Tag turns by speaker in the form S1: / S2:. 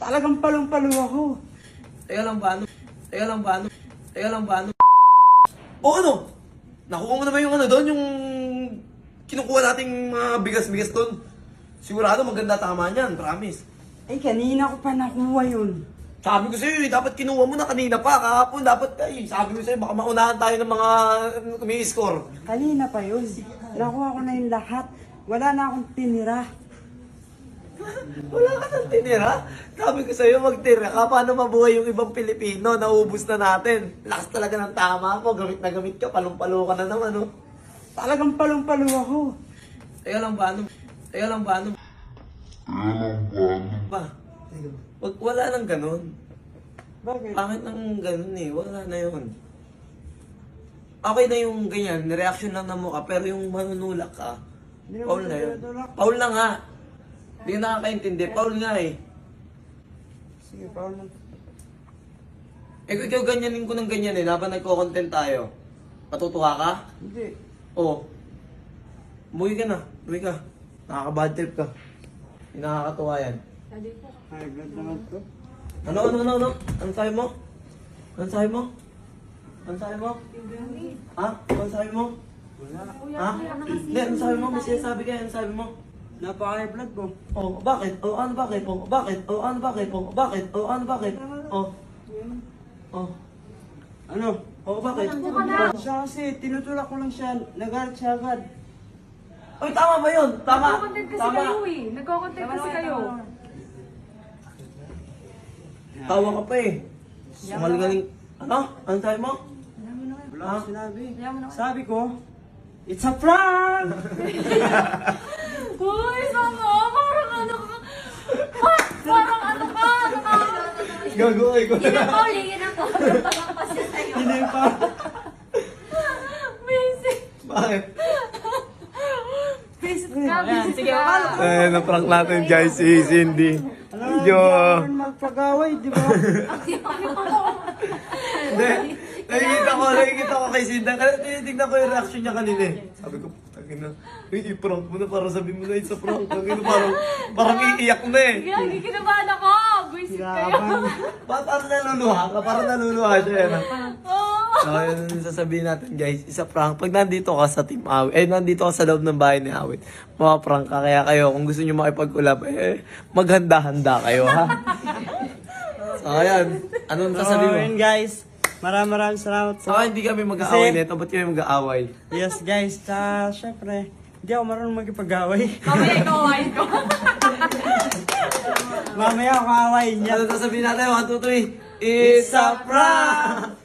S1: Talagang palong-palo ako.
S2: Teka lang ba, ano? Teka lang ba, ano? Teka lang ba, ano? O ano? Nakuha mo naman yung ano doon, yung kinukuha nating mga bigas-bigas doon. Sigurado maganda tama niyan, promise.
S1: Eh, kanina ko pa nakuha yun.
S2: Sabi ko sa'yo, dapat kinuha mo na kanina pa, kahapon dapat sabi ko sa'yo, baka maunahan tayo ng mga umi-score.
S1: Kanina pa yun. Nakuha ko na yung lahat. Wala na akong tinira.
S2: Wala ka nang tinira. Sabi ko sa'yo, magtira ka. Paano mabuhay yung ibang Pilipino? Naubos na natin. Lakas talaga ng tama mo. Gamit na gamit ka. Palong-palo ka na naman, oh.
S1: Talagang palong-palo ako.
S2: Teka lang ba, ano? Teka lang ba, ano? Ba? Wala nang ganun.
S1: Bakit?
S2: Pangit nang ganun eh. Wala na yun. Okay na yung ganyan. Reaction lang na mukha. Pero yung manunulak ka,
S1: Hindi
S2: Paul
S1: naman
S2: na yun.
S1: tinutulak.
S2: Paul na nga. Hindi na nakakaintindi. Paul nga eh.
S1: Sige, Paul na.
S2: Eh kung ikaw ganyanin ko ng ganyan eh. Dapat nagko-content tayo. Matutuwa ka?
S1: Hindi.
S2: Oo. Umuwi ka na. Umuwi ka. Nakaka-bad trip ka. Hindi nakakatuwa yan.
S1: Ay, blood naman to.
S2: Ano? Ano sabi mo? Ano sabi mo? Ano sabi mo? Ha? Ano sabi mo?
S1: Wala.
S2: Ha? Hindi, ano sabi mo? May sinasabi ka, ano sabi mo?
S1: Napaka-high blood mo.
S2: Oh, bakit? Oh, ano bakit? Oh, bakit? Oh, ano bakit? Oh, bakit? Oh, ano bakit? Oh. Oh.
S1: Ano?
S2: Oh, bakit?
S1: Siya kasi, tinutulak ko lang siya. Nagalit siya agad.
S2: Oy, tama ba yun? Tama.
S3: Nagko-content kasi
S2: Tama.
S3: kayo eh. Nagko-content kasi kayo.
S2: Tawa ka pa eh. Sumalgaling. Ano? Ano sabi mo?
S1: Wala
S2: Ha?
S1: akong sinabi.
S3: Ayaw mo na.
S1: Sabi ko, it's a prank!
S3: Uy, sama! Parang ano ka? Parang ano ka?
S2: Gago ay ko.
S3: Yun ang Paul, yun ang Paul. Parang kasi sa'yo.
S1: Hindi pa.
S3: Basic.
S2: Bakit?
S3: Basic ka, basic
S1: Sige,
S3: ka.
S2: Eh, na-prank natin guys si Cindy.
S1: Alam mo,
S2: Medyo...
S1: hindi ako magpag-away, di ba?
S2: Hindi. Nakikita ko kay Cindy. Tinitignan ko yung reaction niya kanina eh. Sabi ko, tagina. I-prank mo na para sabihin mo na it's a prank. Tagina, parang iiyak na eh.
S3: Gagi, kinabahan ako. Basic kayo.
S1: Kinakabahan.
S2: Parang naluluha siya yan.
S3: Oo.
S2: So, yun ang sasabihin natin guys, isa prank. Pag nandito ka sa Team Awit, nandito ka sa loob ng bahay ni Awit, prank ka. Kaya kayo, kung gusto nyo makipag-ulap, maghanda-handa kayo, ha? So, ayan. Anong sasabihin mo?
S1: yun guys. Maraming salamat po.
S2: Saka hindi kami mag-aaway
S1: Kasi-
S2: nito, ba't kami mag-aaway?
S1: Yes guys, syempre, hindi ako marunong magpag-away.
S3: Mamaya ikaw, awayin ko.
S1: Mamaya ako aawayin niya.
S2: Ano sasabihin natin? 1, 2, 3. It's a prank!